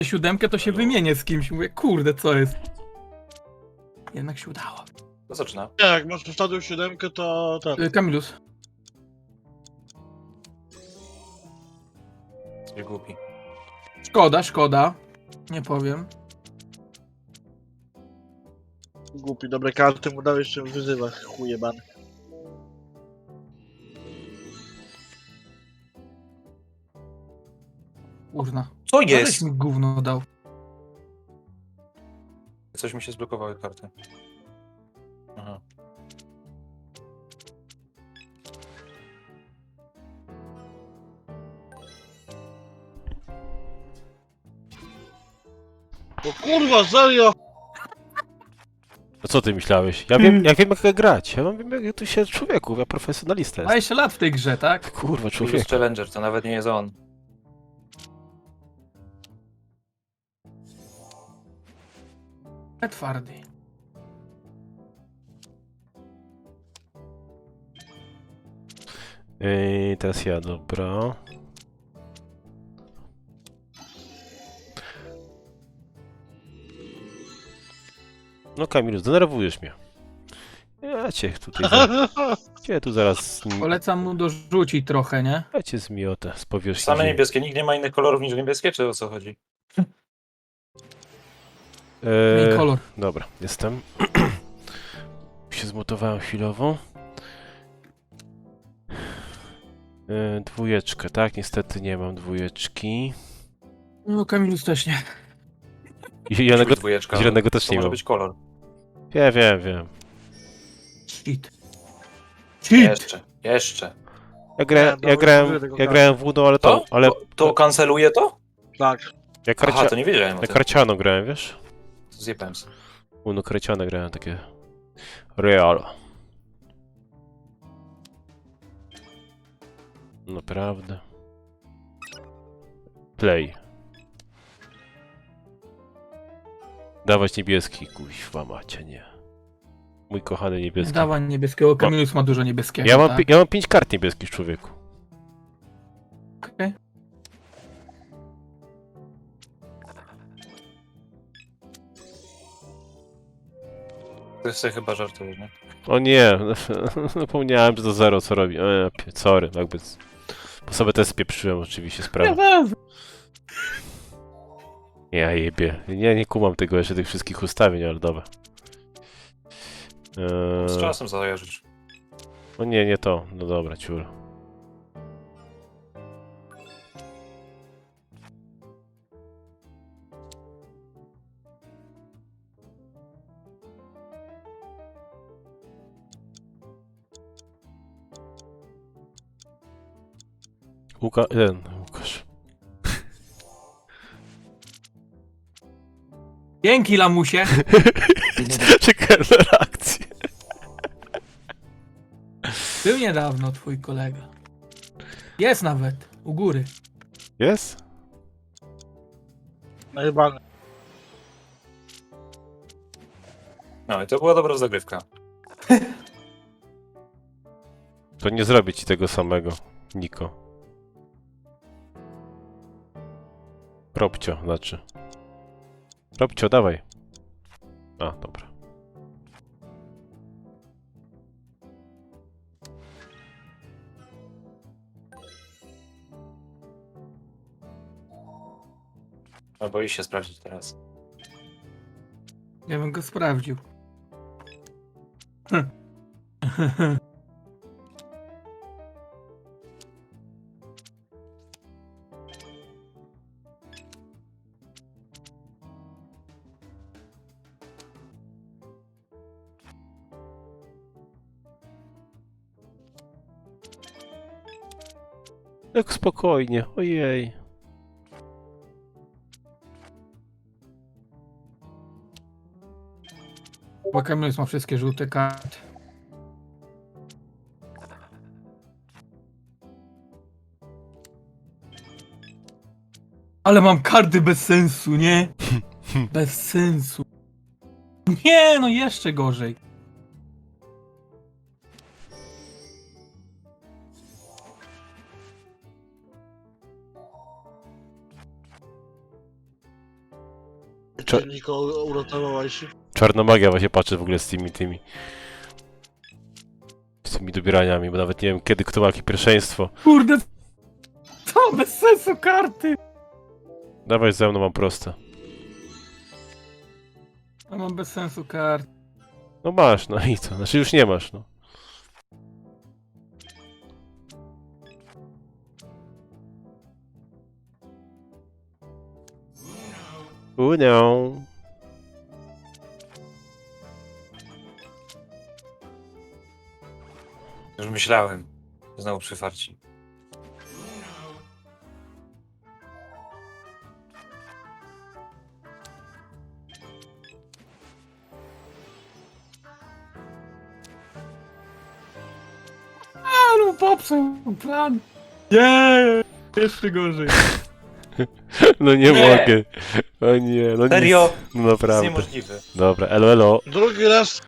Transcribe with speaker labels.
Speaker 1: 7 to się wymienię z kimś. Mówię, kurde, co jest? Jednak się udało.
Speaker 2: To zaczyna.
Speaker 3: Nie, jak masz ustawił 7, to ten.
Speaker 1: Kamilus.
Speaker 2: Jesteś głupi.
Speaker 1: Szkoda. Nie powiem.
Speaker 3: Głupi, dobre karty mu dałeś, jeszcze wyzywa, chujebany.
Speaker 1: Kurna.
Speaker 2: Co
Speaker 1: Aleś
Speaker 2: jest?
Speaker 1: mi gówno dał.
Speaker 2: Coś mi się zblokowały karty. Aha.
Speaker 3: No kurwa, serio!
Speaker 4: No co ty myślałeś? Ja wiem jak grać. Ja wiem jak tu się człowieku, ja profesjonalista jestem.
Speaker 1: 20 lat w tej grze, tak?
Speaker 4: Kurwa,
Speaker 2: Plus
Speaker 4: człowiek.
Speaker 2: Challenger, to nawet nie jest on.
Speaker 1: Twardy.
Speaker 4: Teraz ja, dobra. No Kamilu, zdenerwujesz mnie. Ja cię tutaj cię tu zaraz...
Speaker 1: Polecam mu dorzucić trochę, nie?
Speaker 4: Ja cię zmiotę z powierzchni
Speaker 2: Same
Speaker 4: ziemi.
Speaker 2: niebieskie, nikt nie ma innych kolorów niż niebieskie, czy o co chodzi?
Speaker 1: Zmień kolor.
Speaker 4: Dobra, jestem. się zmutowałem chwilowo. Dwójeczkę, tak? Niestety nie mam dwójeczki.
Speaker 1: No Kamilus też nie.
Speaker 4: Zielonego,
Speaker 2: Dwójeczka,
Speaker 4: zielonego też
Speaker 2: to
Speaker 4: nie
Speaker 2: może
Speaker 4: mam.
Speaker 2: być kolor.
Speaker 4: Wiem.
Speaker 1: Cheat.
Speaker 2: Jeszcze.
Speaker 4: Ja grałem,
Speaker 3: Nie,
Speaker 4: ja
Speaker 3: dobra,
Speaker 4: grałem,
Speaker 3: użyję tego
Speaker 4: ja grałem w Uno, ale to,
Speaker 2: To?
Speaker 4: ale
Speaker 2: To kanceluje to?
Speaker 3: Tak.
Speaker 4: ja,
Speaker 2: Aha, to nie wiedziałem o
Speaker 4: ja
Speaker 2: tym.
Speaker 4: karciano grałem, wiesz?
Speaker 2: Zjebałem się.
Speaker 4: Uno karciane grałem, takie... Real. Naprawdę. Play. Dawać niebieski, kuźwa macie, nie. Mój kochany niebieski.
Speaker 1: Dawań niebieskiego. Kamilus ma dużo niebieskiego.
Speaker 4: Ja mam,
Speaker 1: tak?
Speaker 4: ja mam 5 kart niebieskich, człowieku.
Speaker 1: Okej.
Speaker 2: To sobie chyba żartujesz, nie?
Speaker 4: O nie, zapomniałem, że to zero co robi. Sorry, jakby... Bo sobie też spieprzyłem oczywiście sprawę. Ja jebie. Nie kumam tego jeszcze, tych wszystkich ustawień, ale dobra.
Speaker 2: Z czasem zajarzysz.
Speaker 4: O nie to. No dobra, ciur. Łukasz.
Speaker 1: Dzięki, lamusie.
Speaker 4: Czekałem na reakcję.
Speaker 1: Był niedawno twój kolega. Jest nawet. U góry.
Speaker 4: Jest?
Speaker 3: Najebany.
Speaker 2: No i to była dobra zagrywka.
Speaker 4: To nie zrobię ci tego samego, Niko. Robcio, znaczy. Robcio, dawaj. A, dobra.
Speaker 2: No boisz się sprawdzić teraz.
Speaker 1: Ja bym go sprawdził.
Speaker 4: Tak spokojnie, ojej.
Speaker 1: Bo Kamilus ma wszystkie żółte karty. Ale mam karty bez sensu, nie? Bez sensu. Nie, no jeszcze gorzej.
Speaker 4: Cze-
Speaker 3: Nikogo uratowałeś.
Speaker 4: Czarna magia właśnie patrzę w ogóle z tymi dobieraniami, bo nawet nie wiem kiedy kto ma jakie pierwszeństwo.
Speaker 1: Kurde, to bez sensu karty.
Speaker 4: Dawaj ze mną, mam proste.
Speaker 1: Ja mam bez sensu karty.
Speaker 4: No masz, no i co? Znaczy już nie masz, no. Uno.
Speaker 2: Już myślałem. Znowu przyfarci.
Speaker 1: A no popsuł plan. Nie, jeszcze gorzej.
Speaker 4: No nie
Speaker 2: Nie.
Speaker 4: mogę. O nie, no nic.
Speaker 2: Serio?
Speaker 4: No
Speaker 2: To jest
Speaker 4: naprawdę.
Speaker 2: niemożliwe.
Speaker 4: Dobra, elo, elo.
Speaker 3: Drugi raz